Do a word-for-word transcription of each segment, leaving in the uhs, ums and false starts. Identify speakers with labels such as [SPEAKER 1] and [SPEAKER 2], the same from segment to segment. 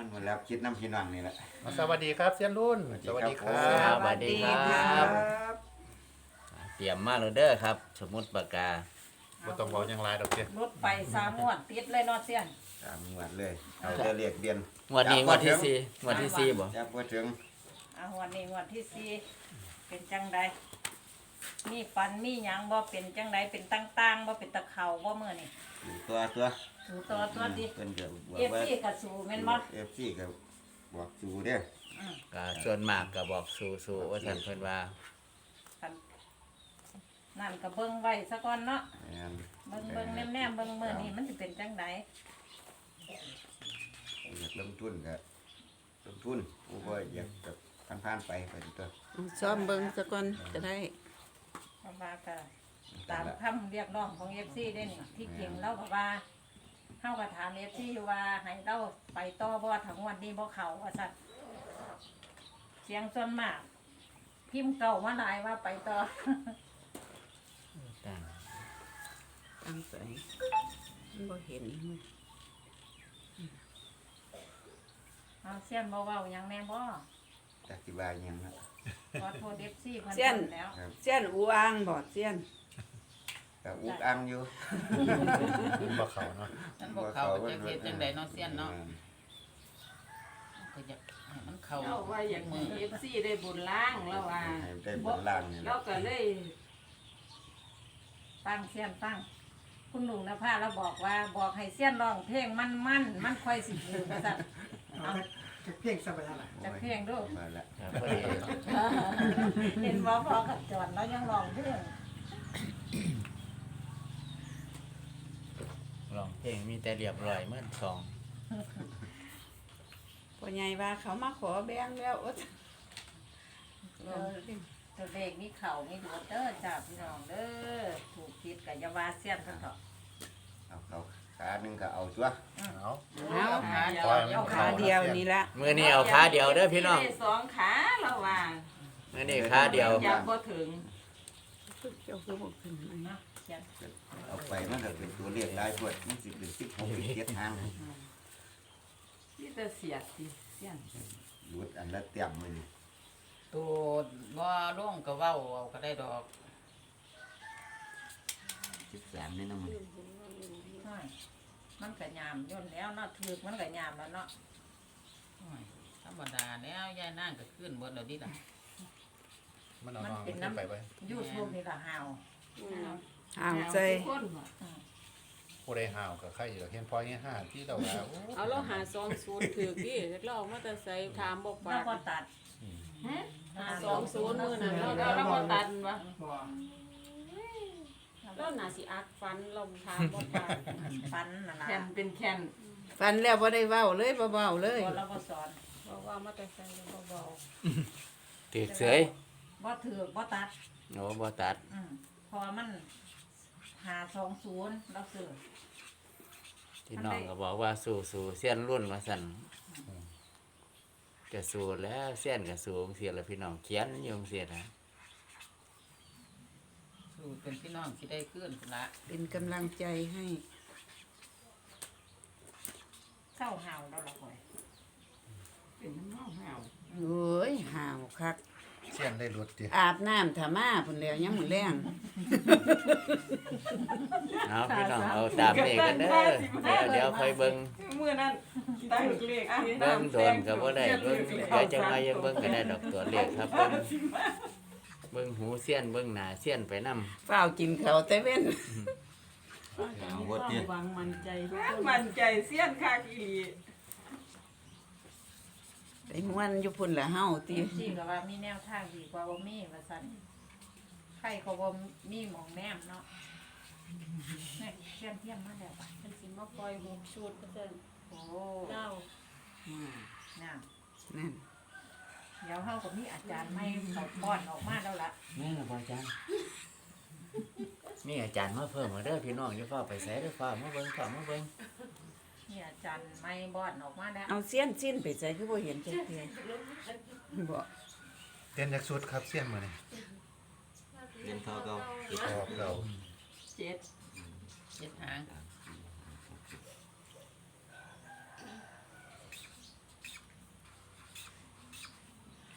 [SPEAKER 1] มันหมดแล้วคิดน้ำพี่น้องนี่แหละ
[SPEAKER 2] สวัสดีครับเซียนรุ่นสวัสดีครั
[SPEAKER 3] ส
[SPEAKER 2] บ
[SPEAKER 3] วัสดีครับเตรียมมาแล้วเด้อครับ สมุดปากกา
[SPEAKER 2] บ่ต้องบอกยังไรดอกเจ้
[SPEAKER 4] รถไปสามงวดติดเลยเนาะเสี้ยน
[SPEAKER 1] ตามงวดเลยเอาจะเรียกเดียน
[SPEAKER 3] งวดนี้งวดที่สี่งวดที่สี่บ่
[SPEAKER 1] จับบ่ถึง
[SPEAKER 4] อ่ะงวดนี้งวดที่สี่เป็นจังใดมีฟันมีหยังบ่เป็นจังใดเป็นตั้งๆบ่เป็นตะเข่าบ่มื้อนี่
[SPEAKER 1] อยู่ตัวตัว
[SPEAKER 4] สูตัวตัวดิ
[SPEAKER 1] เพิ่นก็บอก
[SPEAKER 4] เอฟ
[SPEAKER 1] ว่า
[SPEAKER 4] ซีก็สูแม่นบ่
[SPEAKER 1] เอฟซีก็บอกสู่เด้อ
[SPEAKER 4] อืม
[SPEAKER 3] ก็ส่วนมากก็บอกสู่สู่ว่าท่านเพิ่นว่า
[SPEAKER 4] คันนั่นก็เบิ่งไว้ซะก่อนเนาะ
[SPEAKER 1] แม่น
[SPEAKER 4] เบิ่งเบิ่งแนมๆเบิ่งมื้อนี้มันสิเป็นจังใด
[SPEAKER 1] อยากลงทุนก็ลงทุนผู้บ่อยากกับผ่านๆไปไปตัว
[SPEAKER 5] ซ้อมเบิ่งซะก่อนจะได้
[SPEAKER 4] เพราะว่าก็ตามคำเรียกร้องของ เอฟ ซี ได้นี่ที่จริงเราก็ว่าเฮาก็ถาม เอฟ ซี อยู่ว่าให้เราไปต่อบ่ถึงวันนี้บ่เข้าว่าซั่นเสียงส่วนมาก พิมพ์เก่ามาหลายว่าไปต่อ
[SPEAKER 3] ตั้ง
[SPEAKER 5] ตั้งใส่มันบ่เห็นมัน
[SPEAKER 4] เอาเสียนบ่เว้าหยังแน่บ่
[SPEAKER 1] จักสิว่าหยังนะ
[SPEAKER 4] ขอโทษ เอฟ ซี เพิ่น
[SPEAKER 5] เสี้ยน
[SPEAKER 4] แล้ว
[SPEAKER 1] ครับ
[SPEAKER 5] เสี้ยนอูอ่างบ่เสี้ยน
[SPEAKER 1] ก็อุกอังอยู่
[SPEAKER 2] บ่เขาเนาะ
[SPEAKER 6] ฉันบอกเขาก็จะเฮ็ดจังไดเนาะเสี้ยนเนาะก็อยากให้มันเข้า
[SPEAKER 7] เราว่าอยาก
[SPEAKER 6] มื
[SPEAKER 7] ให้
[SPEAKER 6] อ
[SPEAKER 7] เอฟซีได้บุญล้างแล้วว่า
[SPEAKER 1] ให้ได้บนล่างนี่แห
[SPEAKER 7] เรา
[SPEAKER 1] ละ
[SPEAKER 7] ก็เลย
[SPEAKER 4] ฟังเสียนฟัง คุณลุงนภาเราบอกว่าบอกให้เสียนร้องเพลงมันมันมันค่อยสิถือว่าซั่นเอา
[SPEAKER 8] เพียงสบายละ
[SPEAKER 4] จะเพลงดู
[SPEAKER 1] มาละ
[SPEAKER 3] ครับพอดี
[SPEAKER 4] เห็นบ่พอกับจอนแล้วยังร้องเพลง
[SPEAKER 3] ร้องเพลงมีแต่เรียบร้อยเหมือนสอง
[SPEAKER 5] พ่อใหญ่ว่าเขามาขอแบ่งแล้วโอ๊ย
[SPEAKER 4] เออตัวเลขมีเข่ามีดูดเด้อจ้าพี่น้องเด้อถูกผิดกับยาว่าเสียนเพิ่นเถาะ
[SPEAKER 1] เอาเขาขาหนึงก็เอาตัว
[SPEAKER 2] เอา
[SPEAKER 5] เอา
[SPEAKER 7] ขาเดียว
[SPEAKER 5] เอาขาเดียวนี่ละ
[SPEAKER 3] มื้อนี้เอาขาเดียวเด้อพี่น้อง
[SPEAKER 7] ได้สองขาแล้วว่า
[SPEAKER 3] มื้อนี้ขาเดียว
[SPEAKER 7] อยากบ่ถึง
[SPEAKER 5] เจ้าคือบ่ขึ้นไหม
[SPEAKER 4] นะเสียน
[SPEAKER 1] เอาไปมันก็เป็นตัวเลขได้พวดมันสิเป็นสิบหกสิบเจ็ดทาง
[SPEAKER 7] ที่จะเสียดสิเสียน
[SPEAKER 1] หลุดอันละเต็มมือ
[SPEAKER 6] ตัวบ่ลงก็เว้าเอาก็ได้ดอก
[SPEAKER 1] สิบสามนี่นะมัน
[SPEAKER 4] น้อยมันก็ยามย่นแล้วเนาะถือกมันก็ยามแล้วเนาะ
[SPEAKER 6] โอ้ยธรรมดาแล้วยายนางก็ขึ้นเบิดแล้วดิล่ะ
[SPEAKER 2] มันเอาน้องขึ้นไปไว้
[SPEAKER 4] ยูทูบนี่ล่ะฮาว
[SPEAKER 5] เอาใจ
[SPEAKER 7] ทุกคนบ่
[SPEAKER 2] ผู้ใดห่าวกับใครอยู่เห็นพอยี่ห้าที่เราว่าโอ้
[SPEAKER 7] เอาเราหาสองศูนย์ถือดิเราเอามาแต่ใส่ถามบอก
[SPEAKER 4] แล้
[SPEAKER 7] ว่าว
[SPEAKER 4] ก็ตัด
[SPEAKER 7] หาสองศูนย์มื้อนั้นเราเราเราบ่ตันวะ
[SPEAKER 8] บ่
[SPEAKER 7] เราน่าสิอักฟันเราถามบอกว่า
[SPEAKER 4] ฟันน่ะนะ
[SPEAKER 7] แคนเป็นแคน
[SPEAKER 5] ฟันแล้วบ่ได้เว้าเลยบ่เว้าเลย
[SPEAKER 4] บ่เราบ่สอน
[SPEAKER 7] บอกว่ามาแต่ใส่เราเบา
[SPEAKER 3] ถือเสย
[SPEAKER 4] บ่ถือกบ่ตัด
[SPEAKER 3] โอ้บ่ตัด
[SPEAKER 4] อืมเพอมันหาสองศูนย์เราซื้อ
[SPEAKER 3] พี่น้องก็บอกว่าสู่สู่เสี้ยนรุ่นว่าซั่นจะสู่แล้วเสี้ยนก็สู่เสียแล้วพี่น้องเขียนอยู่เสียนะ
[SPEAKER 6] สู้เป็นพี่น้องสิได้ขึ้นพุ่นละ
[SPEAKER 5] เป็นกำลังใจให้
[SPEAKER 4] เศร้าหาวแล้วล่ะข่อย
[SPEAKER 7] ๆเป็นน้ำเห่า
[SPEAKER 5] โอ้ยห่าวคัก
[SPEAKER 2] เสี้ยนได้รถดิ
[SPEAKER 5] อาบน้ำถ้ามาพุ่นแล้วยังมื้อแรง
[SPEAKER 3] เอาพี่น้องเอาตามนี้กันเด้อเดี๋ยวเดี๋ยวค่อยเบิ่ง
[SPEAKER 7] ๆมื้อนั้นตั้งเลขอ่ะ
[SPEAKER 3] เบิ่งโดนก็บ่ได้เบิ่งเดี๋ยวจังไงยังเบิ่งก็ได้ดอกตัวเลขครับเบิ่งเบิ่งหูเสี้ยนเบิ่งหน้าเสี้ยนไปนำ
[SPEAKER 5] เฝ้าวกินข้าวแต่เว้น
[SPEAKER 1] เอาวดเนี่ย
[SPEAKER 7] หวังมั่นใจมั่นใจเสี้ยนคักอีหลี
[SPEAKER 5] ไปม่วนอยู่พุ่นละเฮาติ
[SPEAKER 4] ที่ก็ว่ามีแนวทางดีกว่าบ่มีว่าซั่นใครเขาบ่มีหมองแนมเนาะนี่เทียนเทียมมาแล้วป่ะ
[SPEAKER 7] มันสิมาปล่อยหกชุดเปอร์เซ็นต์
[SPEAKER 4] โอ้
[SPEAKER 7] เก้า
[SPEAKER 4] น่ะ
[SPEAKER 5] นั่น
[SPEAKER 4] เดี๋ยวเฮาก็มีอาจารย์ใหม่เขาป้อนออกมาแล้วล่ะ
[SPEAKER 3] แม่นบ่อาจารย์มีอาจารย์มาเพิ่มมาเด้อพี่น้องอย่าฟ้าไปไสเด้อฟ้ามาเบิ่งฟ้ามาเบิ่ง
[SPEAKER 4] นี่อาจารย์ใหม่บ้อนออกมาแล้ว
[SPEAKER 5] เอาเสี้ยนสิ้นไปใส่คือบ่เห็นจักเทื่อบ่
[SPEAKER 2] เต้นจากสุดครับเสี้ยนมื้อนี้
[SPEAKER 1] เรียนเท่าเก่า
[SPEAKER 2] ออกเรา
[SPEAKER 7] เจ็ด
[SPEAKER 6] เจ็ดหาง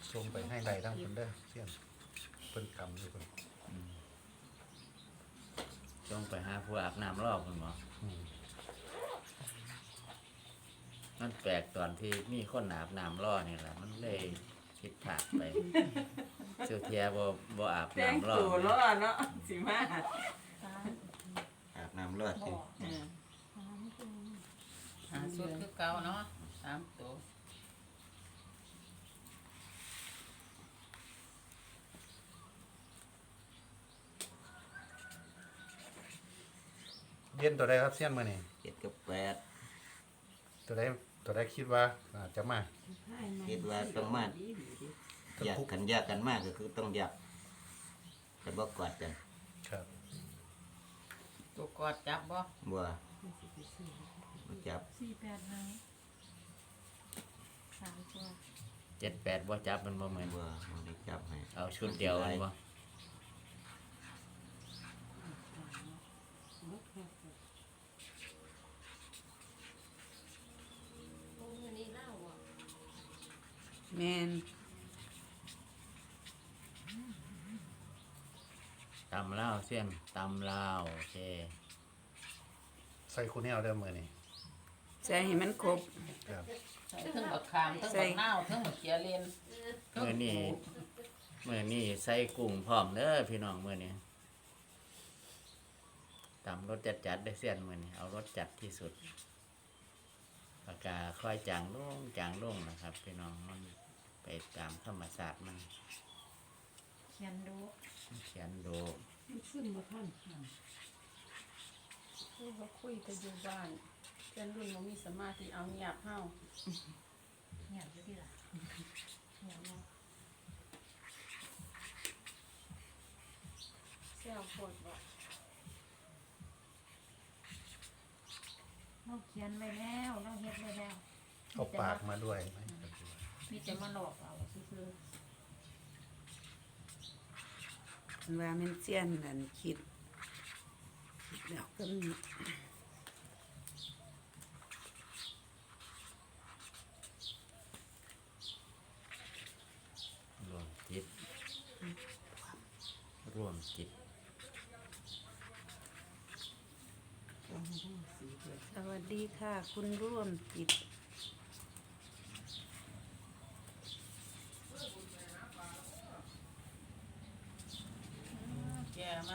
[SPEAKER 2] ส่งไปให้ใดทั้งคนเด้อเสี้ยนเพิ่นกำอยู่เพิ่น
[SPEAKER 3] จงไปหาผู้อาบน้ำรอบคุณหมอ
[SPEAKER 2] อืม
[SPEAKER 3] มันแปลกตอนที่มีคนอาบน้ำรอนี่แหละมันเลยผิดพลาดไปเสียวเทียบ่บ่อาบ
[SPEAKER 5] แต่ง
[SPEAKER 3] น้ำรอ
[SPEAKER 5] ตัวเนาะเนาะสิมา
[SPEAKER 1] อาบน้ำรอดสิ
[SPEAKER 6] เออหาสุดคือเก่าเนาะสามตัว
[SPEAKER 2] เด่นตัวใดครับเสี้ยนมื้อนี้
[SPEAKER 1] เจ็ดกับแปด
[SPEAKER 2] ตัวใดตัวใดคิดว่าอาจจะมา
[SPEAKER 1] คิดว่าต้องมาอยากกันยากกันมากก็คือต้องอยากแต่บ่กอดกัน
[SPEAKER 2] ครับ
[SPEAKER 6] ตัวกอดจับบ่
[SPEAKER 1] บ่บ่จับ
[SPEAKER 4] สี่แปดหนึ่งสามตัว
[SPEAKER 3] เจ็ดแปดบ่จับมันบ่เหมือน
[SPEAKER 1] บ่บ่ได้จับให้
[SPEAKER 3] เอาชุดเดียวมันบ่
[SPEAKER 5] แม่น
[SPEAKER 3] ตำลาวเสี้ยนตำลาวโอเค
[SPEAKER 2] ใส่คู่แนวเด้อมื้อนี้
[SPEAKER 5] ใส่ให้มันครบ
[SPEAKER 2] ครับ
[SPEAKER 6] ใส่ทั้งบักขามทั้งบักนาวทั้งบักเขียเลนทั้ง
[SPEAKER 3] มื้อนี้มื้อนี้ใส่กุ้งพร้อมเด้อพี่น้องมื้อนี้ตำรสจัดๆได้อเสี้ยนมื้อนี้เอารสจัดที่สุดปากกาค่อยจางลงจางลงนะครับ พี่น้องมันไปตามธรรมศาสตร์มัน
[SPEAKER 4] เขียนดู
[SPEAKER 3] เขียนดู
[SPEAKER 7] ขึ้นมาท่านคุยก็คุยแต่อยู่บ้านเพื่อนรุ่นบ่มีสมาธิเอาเงียบเฮา
[SPEAKER 4] เงียบอยู่ที่ละเงียบเนาะ
[SPEAKER 7] แซวโคตรบ่
[SPEAKER 4] เราเขียนไว้แล้วเราเฮ็ดไว้แล้ว
[SPEAKER 2] เอาปากมาด้วยไหม
[SPEAKER 4] มีแต่มาหลอกเราซื่อ
[SPEAKER 5] ว่ามันเสี้ยนนั่นคิดคิดแล้วก็มี
[SPEAKER 3] รวมจิตร่วมจิต
[SPEAKER 5] สวัสดีค่ะ คุณร่วมจิต
[SPEAKER 6] แกมัน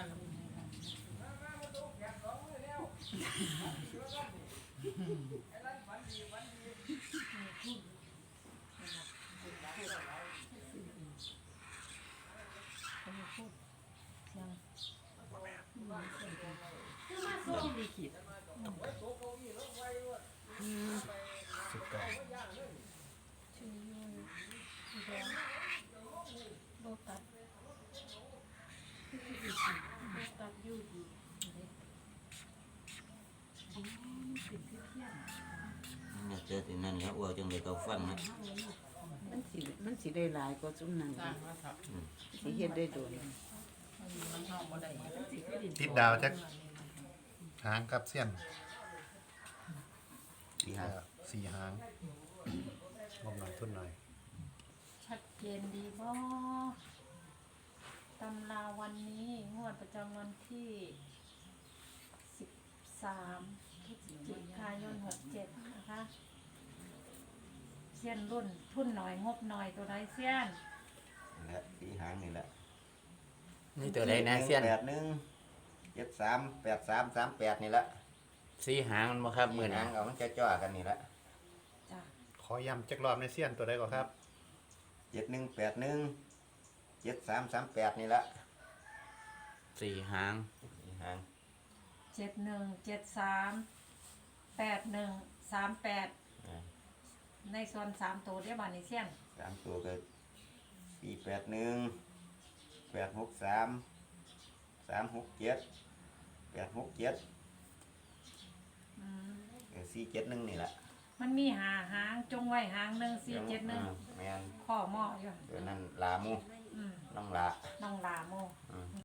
[SPEAKER 2] สิบเก้า
[SPEAKER 4] ๆชื่อยูสีแดงโลตัส
[SPEAKER 7] ตัดอยู่ดี
[SPEAKER 1] เนี่ยเจอที่นั่นแล้วว่าจังได๋ก็ฟังนะ
[SPEAKER 5] มันสิมันสิได้หลายกว่าซุมนั้น
[SPEAKER 6] สร้างมาครับ
[SPEAKER 5] สิเฮ็ดได้โดน
[SPEAKER 6] มันเฮาบ่ได้
[SPEAKER 2] ติดดาวจักหางครับเสี้ยน
[SPEAKER 1] สี่ห้า
[SPEAKER 2] สี่หางงบหน่อยทุนหน่อย
[SPEAKER 4] ชัดเจนดีบ่ตำราวันนี้งวดประจำวันที่สิบสามพฤศจิกายนหกเจ็ดนะคะเซียนรุ่นทุนหน่อยงบหน่อยตัวใดเซียน
[SPEAKER 1] และสี่หางนี่แหละ
[SPEAKER 3] นี่ตัวใดนะเสี้ยน
[SPEAKER 1] แปดหนึ่งเจ็ดสามแปดสามสามแปดนี่ละ
[SPEAKER 3] สีหางมันบ่ครับมื้อ
[SPEAKER 1] สี่
[SPEAKER 3] นี้
[SPEAKER 1] หางเอามันจะจ่อกันนี่ละ
[SPEAKER 4] จ้ะ
[SPEAKER 2] ขอย้ำจักรอบในเสี้ยนตัวใดก่อนครับ
[SPEAKER 1] เจ็ดหนึ่งแปดหนึ่งเจ็ดสามสามแปดนี่ละ
[SPEAKER 3] สี่หาง
[SPEAKER 1] สี่หาง
[SPEAKER 4] เจ็ดหนึ่งเจ็ดสามแปดหนึ่งสามแปด
[SPEAKER 1] อ่า
[SPEAKER 4] ในส่วนสามตัวเรียกบานิเซียน
[SPEAKER 1] สามตัวก็สี่แปดหนึ่งแปดหกสามสามหกเจ็ดแปดหกเจ็ด
[SPEAKER 4] อืม
[SPEAKER 1] สี่เจ็ดหนึ่งนี่แหละ
[SPEAKER 4] มันมีหาหางจงไว้หางหนึ่งสี่เจ็ดหนึ่ง
[SPEAKER 1] อ่าแม่น
[SPEAKER 4] ข้อหม้ออยู่
[SPEAKER 1] เดี๋ยวนั้นลามู
[SPEAKER 4] อืม
[SPEAKER 1] น้องลา
[SPEAKER 4] น้องลาโม
[SPEAKER 1] อืม